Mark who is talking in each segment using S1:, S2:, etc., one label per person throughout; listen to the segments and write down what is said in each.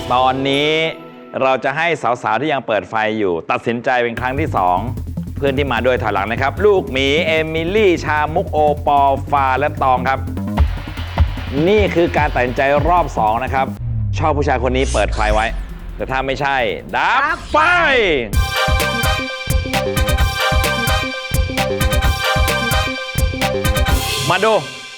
S1: ตอนนี้เราจะให้สาวๆที่ยังเปิดไฟอยู่ตัดสินใจเป็นครั้งที่2เพื่อนที่มาด้วยถอยหลังนะครับลูกหมีเอมิลี่ชามุกโอปอฟาและตองครับนี่คือการตัดสินใจรอบ2นะครับชอบผู้ชายคนนี้เปิดไฟไว้แต่ถ้าไม่ใช่ดับไฟมาดู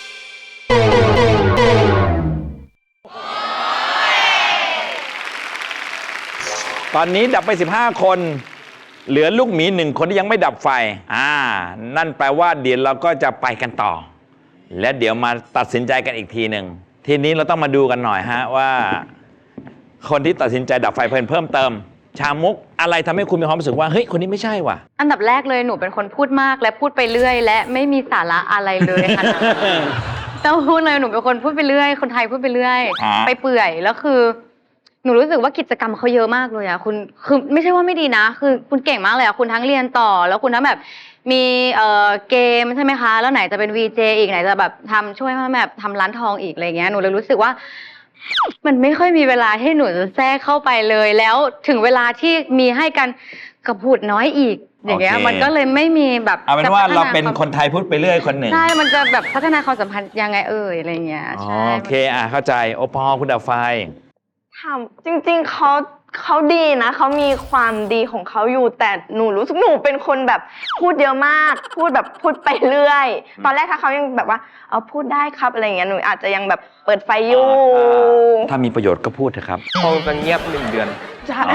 S1: ตอนนี้ดับไป15คนเหลือลูกหมี1คนที่ยังไม่ดับไฟนั่นแปลว่าเดี๋ยวเราก็จะไปกันต่อและเดี๋ยวมาตัดสินใจกันอีกทีหนึ่งทีนี้เราต้องมาดูกันหน่อยฮะว่าคนที่ตัดสินใจดับไฟเพิ่มเติมชามุกอะไรทำให้คุณมีความรู้สึกว่าเฮ้ยคนนี้ไม่ใช่ว่ะ
S2: อันดับแรกเลยหนูเป็นคนพูดมากและพูดไปเรื่อยและไม่มีสาระอะไรเลยค่ะ ต้องพูดเลยหนูเป็นคนพูดไปเรื่อยคนไทยพูดไปเรื่อยไปเปื่อยแล้วคือหนูรู้สึกว่ากิจกรรมเขาเยอะมากเลยอะคุณคือไม่ใช่ว่าไม่ดีนะคือคุณเก่งมากเลยอะคุณทั้งเรียนต่อแล้วคุณทั้งแบบมีเกมใช่ไหมคะแล้วไหนจะเป็น VJ อีกไหนจะแบบทำช่วยแบบทำร้านทองอีกอะไรเงี้ยหนูเลยรู้สึกว่ามันไม่ค่อยมีเวลาให้หนูจะแทรกเข้าไปเลยแล้วถึงเวลาที่มีให้กันกับพูดน้อยอีกอย่างเงี้ยมันก็เลยไม่มีแบบ
S1: เอาเป็นว่าเราเป็นคนไทยพูดไปเรื่อยคนหนึ่ง
S2: ใช่มันจะแบบพัฒนาความสัมพันธ์ยังไงอะไรเงี้ยใช่
S1: โอเคเข้าใจโอปอคุณดับไฟ
S3: จริงๆเขาดีนะเขามีความดีของเขาอยู่แต่หนูรู้สึกหนูเป็นคนแบบพูดเยอะมากพูดไปเรื่อยตอนแรกถ้าเขายังแบบว่าพูดได้ครับอะไรอย่างเงี้ยหนูอาจจะยังแบบเปิดไฟอยู่
S1: ถ้ามีประโยชน์ก็พูดเถอะครับ
S4: เขาจะเงียบ1 เดือน
S3: ใช่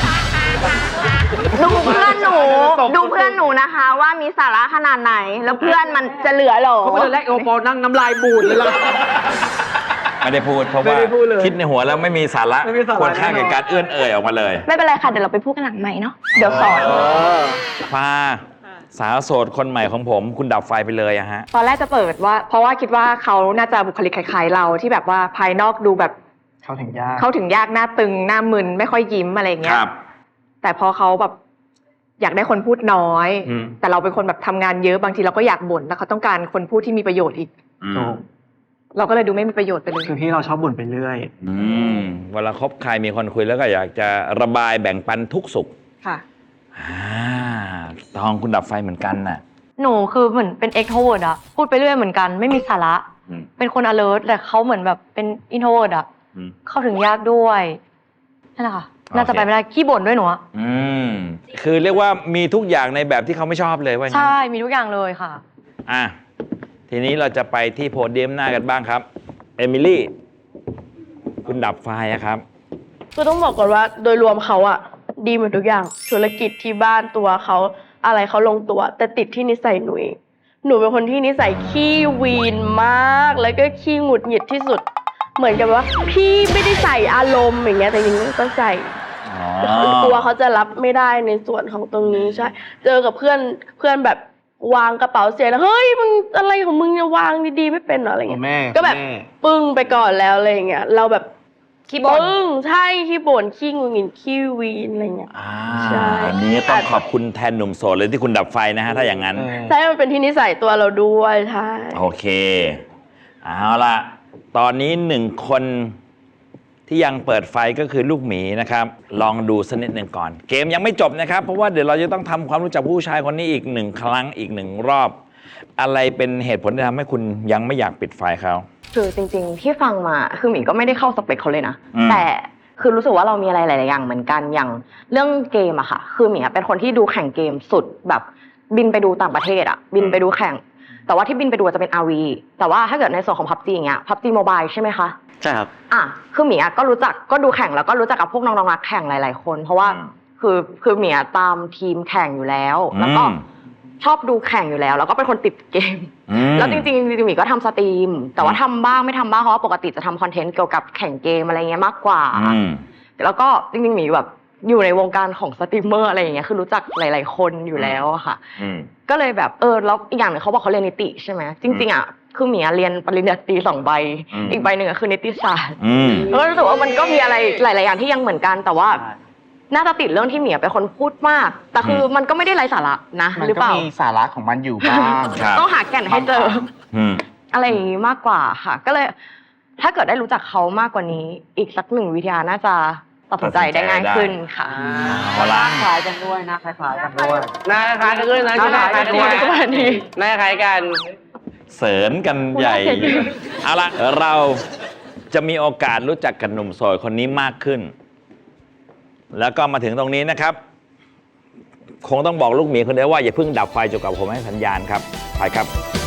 S3: ดูเพื่อนหนูนะคะว่ามีสาระขนาดไหนแล้วเพื่อนมันจะเหลือหรอ
S4: เขาเป็นแรกโอปอนั่งน้ำลายบูดเลยล่ะ
S1: ไม่ได้พูดเพราะว่าคิดในหัวแล้วไม่มีสาระควรค่าแก่การเอื้อนเอ่ยออกมาเลย
S3: ไม่เป็นไรค่ะเดี๋ยวเราไปพูดกันหลังใหม่เนาะเดี๋ยวสอน
S1: ฟ้าสาวโสดคนใหม่ของผมคุณดับไฟไปเลยอะฮะ
S5: ตอนแรกจะเปิดว่าเพราะว่าคิดว่าเขาน่าจะบุคลิกคล้ายๆเราที่แบบว่าภายนอกดูแบบ
S4: เข้าถึงย
S5: ากหน้าตึงหน้ามึนไม่ค่อยยิ้มอะไรเงี้ยแต่พอเขาแบบอยากได้คนพูดน้อยแต่เราเป็นคนแบบทำงานเยอะบางทีเราก็อยากบ่นแล้วเขาต้องการคนพูดที่มีประโยชน์อีกเราก็เลยดูไม่มีประโยชน์ไปเลย
S4: คือที่เราชอบบ่นไปเรื่อย
S1: เวลาคบใครมีคนคุยแล้วก็อยากจะระบายแบ่งปันทุกสุข
S5: ค่ะ
S1: ตองคุณดับไฟเหมือนกันน่ะ
S2: หนูคือเหมือนเป็น extrovert อะพูดไปเรื่อยเหมือนกันไม่มีสาระเป็นคน alert แต่เขาเหมือนแบบเป็น introvert อะเข้าถึงยากด้วยนั่นแหละค่ะน่าจะไปไม่ได้ขี้บ่นด้วยหนู
S1: คือเรียกว่ามีทุกอย่างในแบบที่เขาไม่ชอบเลยว่า
S2: ใช่มีทุกอย่างเลยค่ะ
S1: ทีนี้เราจะไปที่โพเดียมหน้ากันบ้างครับเอมิลี่คุณดับไฟครับ
S6: คือต้องบอกก่อนว่าโดยรวมเขาอะดีหมดทุกอย่างธุรกิจที่บ้านตัวเขาอะไรเขาลงตัวแต่ติดที่นิสัยหนูเองหนูเป็นคนที่นิสัยขี้วีนมากแล้วก็ขี้หงุดหงิดที่สุดเหมือนกับว่าพี่ไม่ได้ใส่อารมณ์อย่างเงี้ยแต่จริงๆก็ใส่กลัวเขาจะรับไม่ได้ในส่วนของตรงนี้ใช่เจอกับเพื่อนแบบวางกระเป๋าเสียแล้วเฮ้ยมึงอะไรของมึงเนี่ยวางดีๆไม่เป็นหรออะไรเงี้ยก็แบบปึ้งไปก่อนแล้วอะไรเงี้ยเราแบบ
S2: ขี้บ่น
S6: ใช่ขี้บ่นขี้งุนงิดขี้วีนอะไรเงี้ย
S1: ใช่นี้ต้องขอบคุณแทนหนุ่มโสดเลยที่คุณดับไฟนะฮะถ้าอย่างนั้น
S6: ใช่มันเป็นที่นิสัยตัวเราด้วยใช่
S1: โอเคเอาล่ะตอนนี้1คนที่ยังเปิดไฟก็คือลูกหมีนะครับลองดูสักนิดหนึ่งก่อนเกมยังไม่จบนะครับเพราะว่าเดี๋ยวเราจะต้องทำความรู้จักผู้ชายคนนี้อีก1 ครั้งอีก1 รอบอะไรเป็นเหตุผลที่ทำให้คุณยังไม่อยากปิดไฟเขา
S3: คือจริงๆที่ฟังมาคือหมีก็ไม่ได้เข้าสเปคเขาเลยนะแต่คือรู้สึกว่าเรามีอะไรหลายๆอย่างเหมือนกันอย่างเรื่องเกมอะค่ะคือหมีเป็นคนที่ดูแข่งเกมสุดแบบบินไปดูต่างประเทศอะบินไปดูแข่งแต่ว่าที่บินไปดูจะเป็น RV แต่ว่าถ้าเกิดในส่วนของ PUBG อย่างเงี้ย PUBG Mobile ใช่ไหมคะ
S4: ใช่ครับ
S3: คือหมีก็รู้จักก็ดูแข่งแล้วก็รู้จักกับพวกน้องๆนักแข่งหลายๆคนเพราะว่าคือหมีตามทีมแข่งอยู่แล้วแล้วก็ชอบดูแข่งอยู่แล้วก็เป็นคนติดเกมแล้วจริงๆหมีก็ทำสตรีมแต่ว่าทำบ้างไม่ทำบ้างเพราะว่าปกติจะทำคอนเทนต์เกี่ยวกับแข่งเกมอะไรเงี้ยมากกว่าแล้วก็จริงๆหมีแบบอยู่ในวงการของสตรีมเมอร์อะไรอย่างเงี้ยคือรู้จักหลายๆคนอยู่แล้วค่ะก็เลยแบบแล้วอีกอย่างหนึ่งเขาบอกเขาเรียนนิติใช่ไหมจริงๆคือหมีเรียนปริญญาตรี2 ใบอีกใบหนึ่งคือนิติศาสตร์แล้วก็รู้สึกว่ามันก็มีอะไรหลายๆอย่างที่ยังเหมือนกันแต่ว่าน่าจะติดเรื่องที่หมีเป็นคนพูดมากแต่คือมันก็ไม่ได้ไร้สาระนะหรือเปล่า
S4: มันก็มีสาระของมันอยู่บ้าง
S3: ต้องหาแก่นให้เจออะไรอย่างนี้มากกว่าค่ะก็เลยถ้าเกิดได้รู้จักเขามากกว่านี้ อีกสักหนึ่งวิทยาน่าจะตัดสินใจได้ง่ายขึ้นค่ะ
S1: เอาละ
S4: คล้ายกันด้วยนะคล้ายกันด้วย
S7: หน้าคล้ายกันด้วยนะ
S4: หน้าคล้ายกันด้วย
S7: หน้าคล้ายกัน
S1: เสริญกันใหญ่เอาละเราจะมีโอกาสรู้จักกับหนุ่มโสดคนนี้มากขึ้น แล้วก็มาถึงตรงนี้นะครับ คงต้องบอกลูกหมีคนเดียวว่าอย่าเพิ่งดับไฟจนกว่าผมให้สัญญาณครับไปครับ